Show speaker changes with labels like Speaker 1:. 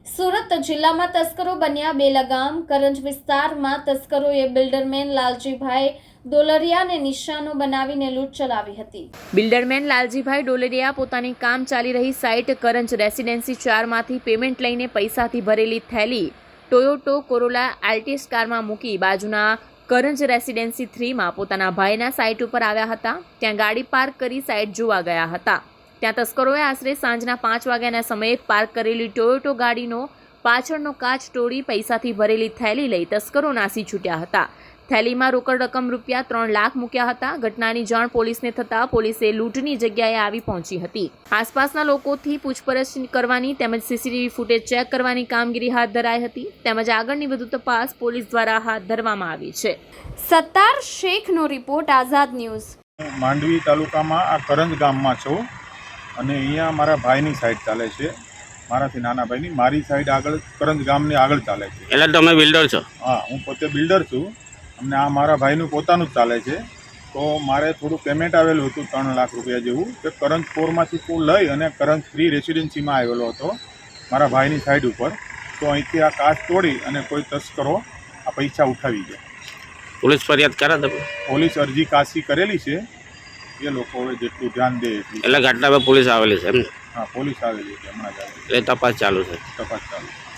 Speaker 1: સુરત જિલ્લામાં તસ્કરો બન્યા બેલગામ. કરંજ વિસ્તારમાં તસ્કરોએ બિલ્ડરમેન લાલજીભાઈ ડોલરિયાને નિશાનો બનાવીને લૂંટ ચલાવી હતી.
Speaker 2: બિલ્ડરમેન લાલજીભાઈ ડોલરિયા પોતાની કામ ચાલી રહી સાઇટ કરંજ રેસિડેન્સી 4 માંથી પેમેન્ટ લઈને પૈસાથી ભરેલી થેલી ટોયોટો કોરોલા આલ્ટિસ કારમાં મૂકી બાજુના કરંજ રેસિડેન્સી 3 માં પોતાના ભાઈના સાઇટ ઉપર આવ્યા હતા. ત્યાં ગાડી પાર્ક કરી સાઇટ જોવા ગયા હતા. ત્યાં તસ્કરોએ આશરે સાંજના 5 વાગ્યાના સમયે પાર્ક કરેલી ટોયોટો ગાડીનો પાછળનો કાચ તોડી પૈસાથી ભરેલી થેલી લઈ તસ્કરો નાસી છૂટ્યા હતા. થેલીમાં રોકડ રકમ રૂપિયા 3 લાખ મૂક્યા હતા. ઘટનાની જાણ પોલીસને થતાં પોલીસે લૂંટની જગ્યાએ આવી પહોંચી હતી. આસપાસના લોકોથી પૂછપરછ કરવાની તેમજ સીસીટીવી ફૂટેજ ચેક કરવાની કામગીરી હાથ ધરાઈ હતી. તેમજ આગળની વધુ તપાસ પોલીસ દ્વારા હાથ ધરવામાં આવી છે.
Speaker 1: સત્તાર શેખનો રિપોર્ટ, આઝાદ ન્યૂઝ.
Speaker 3: માંડવી તાલુકામાં આ કરંજ ગામમાં છું અને અહીંયા મારા ભાઈની સાઈડ ચાલે છે, મારાથી નાના ભાઈની. મારી સાઈડ આગળ કરંજ ગામની આગળ ચાલે છે.
Speaker 4: એટલે તમે બિલ્ડર છો?
Speaker 3: હા, હું પોતે બિલ્ડર છું અને આ મારા ભાઈનું પોતાનું જ ચાલે છે. તો મારે થોડું પેમેન્ટ આવેલું હતું 3 લાખ રૂપિયા જેવું, કે કરંજ 4માંથી હું લઈ અને કરંજ 3 રેસિડેન્સીમાં આવેલો હતો મારા ભાઈની સાઈડ ઉપર. તો અહીંથી આ કાચ તોડી અને કોઈ તસ્કરો આ પૈસા ઉઠાવી ગયા.
Speaker 4: પોલીસ ફરિયાદ કરે તમે?
Speaker 3: પોલીસ અરજી કાશી કરેલી છે, એ લોકો હવે જેટલું ધ્યાન દે એટલું.
Speaker 4: એટલે ઘટના પર પોલીસ આવેલી છે એમ?
Speaker 3: હા, પોલીસ આવેલી છે હમણાં જ આવેલી.
Speaker 4: એટલે તપાસ ચાલુ છે?
Speaker 3: તપાસ ચાલુ.